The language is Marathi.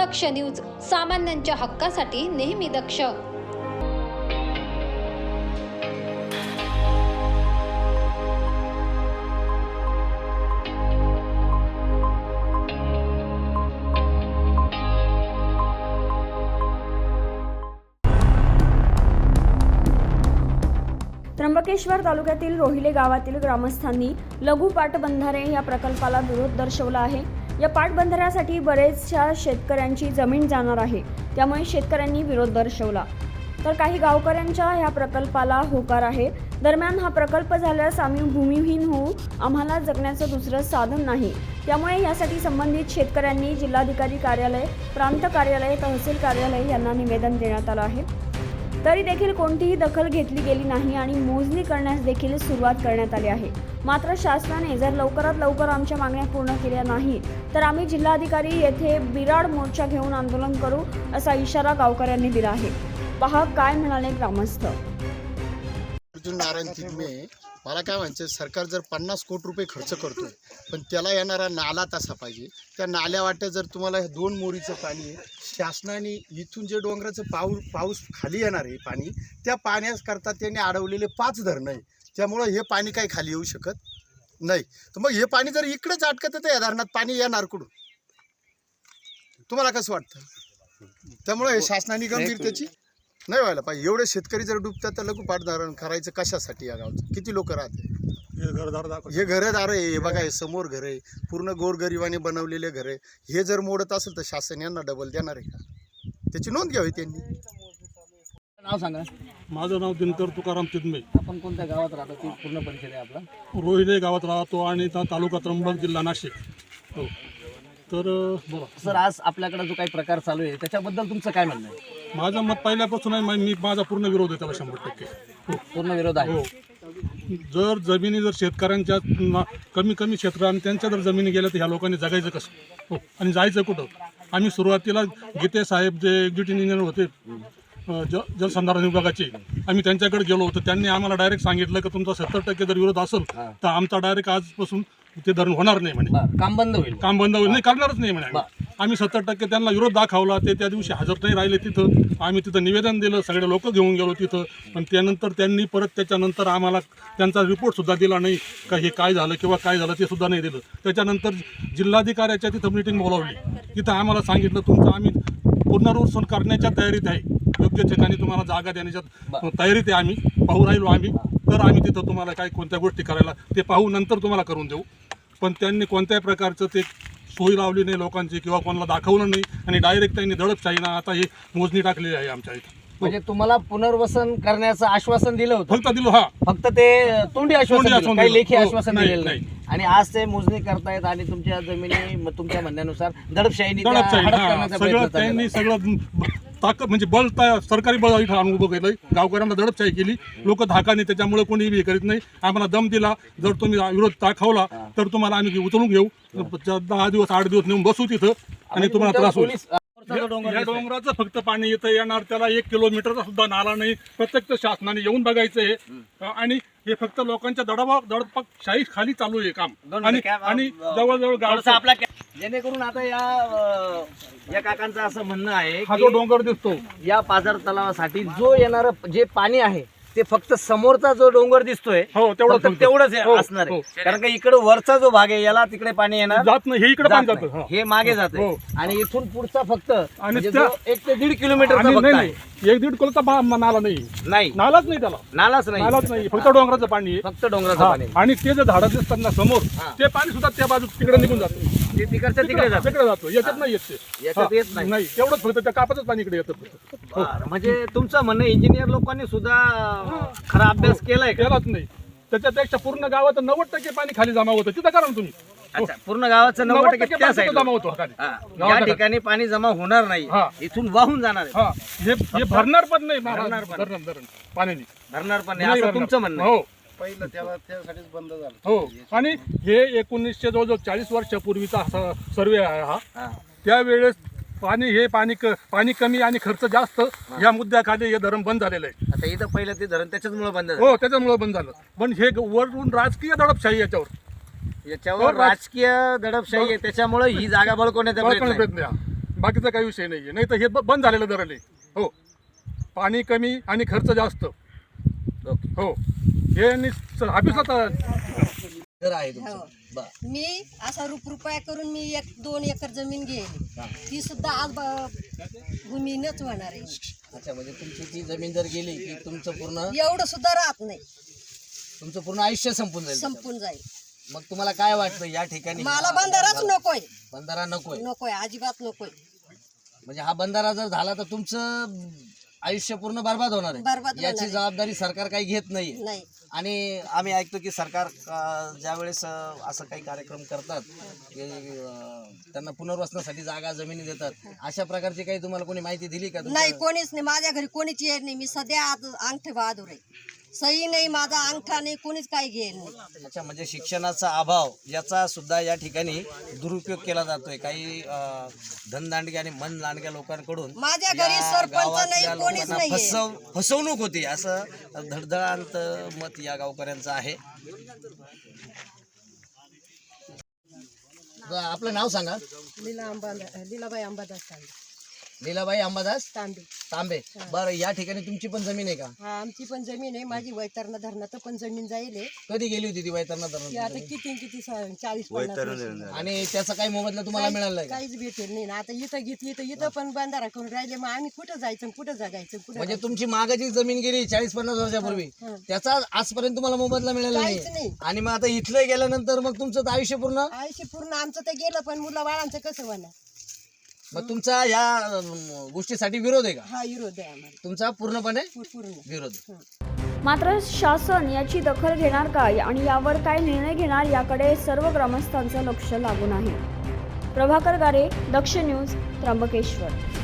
दक्ष न्यूज, सामान्यांच्या हक्कासाठी नेहमी दक्ष. त्र्यंबकेश्वर तालुक्यातील रोहिले गावातील ग्रामस्थांनी लघु पाटबंधारे या प्रकल्पाला विरोध दर्शवला आहे. या पाटबंधाऱ्यासाठी बरेचशा शेतकऱ्यांची जमीन जाणार आहे, त्यामुळे शेतकऱ्यांनी विरोध दर्शवला. तर काही गावकऱ्यांच्या या प्रकल्पाला होकार आहे. दरम्यान हा प्रकल्प झाल्यास आम्ही भूमिहीन होऊ, आम्हाला जगण्याचं दुसरं साधन नाही. त्यामुळे यासाठी संबंधित शेतकऱ्यांनी जिल्हाधिकारी कार्यालय, प्रांत कार्यालय, तहसील कार्यालय यांना निवेदन देण्यात आलं आहे. तरी देखील कोणतीही दखल घेतली गेली नाही आणि मोजणी करण्यास देखील सुरुवात करण्यात आली आहे. मात्र शासनाने जर लवकरात लवकर आमच्या मागण्या पूर्ण केल्या नाही तर आम्ही जिल्हाधिकारी येथे बिराड मोर्चा घेऊन आंदोलन करू, असा इशारा गावकऱ्यांनी दिला आहे. पहा काय म्हणाले ग्रामस्थ. अर्जुन नारायण तिगमे, मला काय म्हणायचं, सरकार जर 50 कोटी रुपये खर्च करतोय पण त्याला येणारा नाला तसा पाहिजे. त्या नाल्या वाट्या जर तुम्हाला हे 2 मोरीचं पाणी आहे, शासनाने इथून जे डोंगराचं पाऊस खाली येणार आहे पाणी, त्या पाण्याकरता त्यांनी अडवलेले 5 धरणं आहे. त्यामुळं हे पाणी काही खाली येऊ शकत नाही. तर मग हे पाणी जर इकडेच अटकत तर या धरणात पाणी येणार कुठून, तुम्हाला कसं वाटतं? त्यामुळे हे शासनाने गंभीरतेची नाही व्हायला पाहिजे. एवढे शेतकरी जर डुबतात तर लघु पाटधारण करायचं कशासाठी? या गावचं किती लोक राहते? हे घरदार आहे, हे बघा, हे समोर घर आहे, पूर्ण गोरगरिबाने बनवलेले घर आहे. हे जर मोडत असेल तर शासन यांना डबल देणार आहे का? त्याची नोंद घ्यावी त्यांनी. नाव सांगा. माझं नाव दिनकर तुकाराम तिगमे. आपण कोणत्या गावात राहतो ती पूर्ण परिचय आहे आपला? रोहिले गावात राहतो आणि तालुका त्र्यंबक, जिल्हा नाशिक. हो, तर बोला सर, आज आपल्याकडे जो काही प्रकार चालू आहे त्याच्याबद्दल तुमचं काय म्हणणं आहे? माझं मत पहिल्यापासून आहे, मी माझा पूर्ण विरोध आहे त्याला 100%. हो, पूर्ण विरोध आहे. हो. जर जमिनी जर शेतकऱ्यांच्या कमी क्षेत्र आणि त्यांच्या जर जमिनी गेल्या तर ह्या लोकांनी जगायचं कसं? हो, आणि जायचं कुठं? आम्ही सुरुवातीला गीते साहेब जे एक्झिक्युटिव्ह इंजिनियर होते जलसंधारण विभागाचे, आम्ही त्यांच्याकडे गेलो होतो. त्यांनी आम्हाला डायरेक्ट सांगितलं की तुमचा 70% जर विरोध असेल तर आमचा डायरेक्ट आजपासून ते धरण होणार नाही म्हणे. काम बंद होईल. काम बंद होईल, नाही करणारच नाही म्हणे. आम्ही 70% त्यांना विरोध दाखवला. ते त्या दिवशी हजर नाही राहिले तिथं. आम्ही तिथं निवेदन दिलं, सगळे लोक घेऊन गेलो तिथं. पण त्यानंतर त्यांनी परत त्याच्यानंतर आम्हाला त्यांचा रिपोर्टसुद्धा दिला नाही का हे काय झालं किंवा काय झालं ते सुद्धा नाही दिलं. त्याच्यानंतर जिल्हाधिकाऱ्याच्या तिथं मीटिंग बोलावली. तिथं आम्हाला सांगितलं तुमचं आम्ही पुनर्वसन करण्याच्या तयारीत आहे, योग्य ठिकाणी तुम्हाला जागा देण्याच्या तयारीत आहे, आम्ही पाहू राहिलो आम्ही. तर आम्ही तिथं तुम्हाला काय कोणत्या गोष्टी करायला ते पाहू, नंतर तुम्हाला करून देऊ. पण त्यांनी कोणत्याही प्रकारचं ते सोयी लावली नाही लोकांची किंवा कोणाला दाखवलं नाही आणि डायरेक्ट त्यांनी दडपशाहीनं आता ही मोजणी टाकलेली आहे आमच्या इथं. म्हणजे तुम्हाला पुनर्वसन करण्याचं आश्वासन दिलं होतं? फक्त दिलं. हा, फक्त ते तोंडी आश्वासन, काही लेखी आश्वासन दिलेलं नाही. आणि आज ते मोजणी करतायत आणि तुमच्या जमिनी तुमच्या म्हणण्यानुसार दडपशाहीने सगळं त्यांनी सगळं ताकद म्हणजे बल सरकारी बळ इथं आणून उभं केलंय. गावकऱ्यांना दडपशाही केली, लोक धाकाने, त्याच्यामुळे कोणी हे करीत नाही. आम्हाला दम दिला, जर तुम्ही विरोध दाखवला तर तुम्हाला आम्ही उचलून घेऊ, 10 दिवस 8 दिवस नेऊन बसू तिथं आणि तुम्हाला त्रास होईल. या डोंगराचं फक्त पाणी येतं येणार, त्याला 1 किलोमीटरचा सुद्धा नाला नाही. प्रत्यक्ष शासनाने येऊन बघायचं हे. आणि हे फक्त लोकांच्या दडपशाही खाली चालू आहे काम. आणि जवळजवळ गावचा आपला जेणेकरून आता या काकांचं असं म्हणणं आहे हा जो डोंगर दिसतो या पाझर तलावासाठी जो येणार जे पाणी आहे ते फक्त समोरचा जो डोंगर दिसतोय तेवढंच असणार आहे. कारण का इकडे वरचा जो भाग आहे याला तिकडे पाणी येणार जात नाही, हे इकडे पाणी जातं, हे मागे जाते. आणि इथून पुढचा फक्त 1 ते 1.5 किलोमीटर 1-1.5 किलोचा नाला नाही, नालाच नाही, त्याला नालाच नाही, फक्त डोंगराचं पाणी आहे, फक्त डोंगराचं पाणी. आणि ते जे झाडं दिसतात ना समोर, ते पाणी सुद्धा त्या बाजू तिकडे निघून जातं, तिकडच्या तिकडे जातो. याच्यात नाही येत नाही. तेवढंच फक्त त्या कापातच पाणी इकडे येतं. म्हणजे तुमचं म्हणणं इंजिनियर लोकांनी सुद्धा खरा अभ्यास केलाच नाही. त्याच्यापेक्षा पूर्ण गावात 90% पाणी खाली जमा होतं. तिथं करा ना तुम्ही. अच्छा, पूर्ण गावाचं 90% त्या साईडला जमा होतो. या ठिकाणी पाणी जमा होणार नाही, इथून वाहून जाणार आहे. हे भरणार पण नाही, भरणार पाण्याने भरणार पण नाही असं तुमचं म्हणणं. हो, पहिलं त्यासाठीच बंद झालं. हो. आणि हे 1900 जवळजवळ 40 वर्षापूर्वीचा सर्वे आहे हा. त्यावेळेस पाणी कमी आणि खर्च जास्त या मुद्द्याखाली हे धरण बंद झालेलं आहे. आता इथं पहिलं ते धरण त्याच्यामुळे बंद झालं. हो, त्याच्यामुळे बंद झालं. पण हे वरून राजकीय दडपशाही याच्यावर राजकीय दडपशाही आहे, त्याच्यामुळे ही जागा बळकवण्याचा प्रयत्न आहे. बाकीचा काही विषय नाही आहे. नाही तर हे बंद झालेलं धरण आहे. हो, पाणी कमी आणि खर्च जास्त. हो, हे ऑफिसला घर आहे तुमचं. हो. बरं. मी असा रुपया करून मी 1-2 एकर जमीन घेईल, ती सुद्धा आज भूमीनच होणार आहे. अच्छा, म्हणजे तुमची ती जमीन जर गेली की तुमचं पूर्ण एवढं सुद्धा राहत नाही, तुमचं पूर्ण आयुष्य संपून जाईल. संपून जाईल. मग तुम्हाला काय वाटतं या ठिकाणी मला बंधाराच नकोय, बंधारा नकोय? नकोय, अजिबात नकोय. म्हणजे हा बंधारा जर झाला तर तुमचं आयुष्य पूर्ण बरबाद होणार बरबाद आहे. होणार याची आहे. जबाबदारी सरकार काही घेत नाहीये. नाही. आणि आम्ही ऐकतो की सरकार ज्यावेळेस असं काही कार्यक्रम करतात की त्यांना पुनर्वसनासाठी जागा जमिनी देतात, अशा प्रकारची काही तुम्हाला कोणी माहिती दिली का? नाही, कोणीच नाही. माझ्या घरी कोणीच येत नाही. मी सध्या आज अंगठे बहादूर आहे, सही नाही, माझा अंगठा नाही, कोणीच काही घेईल नाही. अच्छा, म्हणजे शिक्षणाचा अभाव याचा सुद्धा या ठिकाणी दुरुपयोग केला जातोय काही धनदांडगे आणि मनदांडग्या लोकांकडून. माझ्या घरी या सरपंच नाही, गावातल्या कोणीच लोकांना नाहीये. फसवणूक होती असं धडधडांत मत या गावकऱ्यांचं आहे. आपलं नाव सांगा. लीलाबाई अंबादास लीलाबाई अंबादास तांबे. तांबे. बरं, या ठिकाणी तुमची पण जमीन आहे का? हा, आमची पण जमीन आहे. माझी वैतरणा धरणात पण जमीन जाईल आहे. कधी गेली होती ती वैतरणा ती धरणात? आता किती 40-50 आणि त्याचा काही मोबदला तुम्हाला मिळाला का? काहीच भेटेल नाही ना. आता इथं घेतली तर इथं पण बंधारा करून राहिले, मग आम्ही कुठं जायचं, कुठं जगायचं, कुठं म्हणजे तुमची मागाची जमीन गेली 40-50 वर्षापूर्वी, हं. त्याचा आजपर्यंत तुम्हाला मोबदला मिळाला काहीच नाही. नाही. आणि मग आता इथलं गेल्यानंतर मग तुमचं तर आयुष्य पूर्ण. आयुष्य पूर्ण आमचं तर गेलं, पण मुलं बाळांचं कसं होणार? मग तुमचा या गोष्टीसाठी विरोध आहे का? हा विरोध आहे आम्हाला, तुमचा पूर्णपणे पूर्ण. विरोध. मात्र शासन याची दखल घेणार काय आणि यावर काय निर्णय घेणार याकडे सर्व ग्रामस्थांचं लक्ष लागून आहे. प्रभाकर गारे, दक्ष न्यूज, त्र्यंबकेश्वर.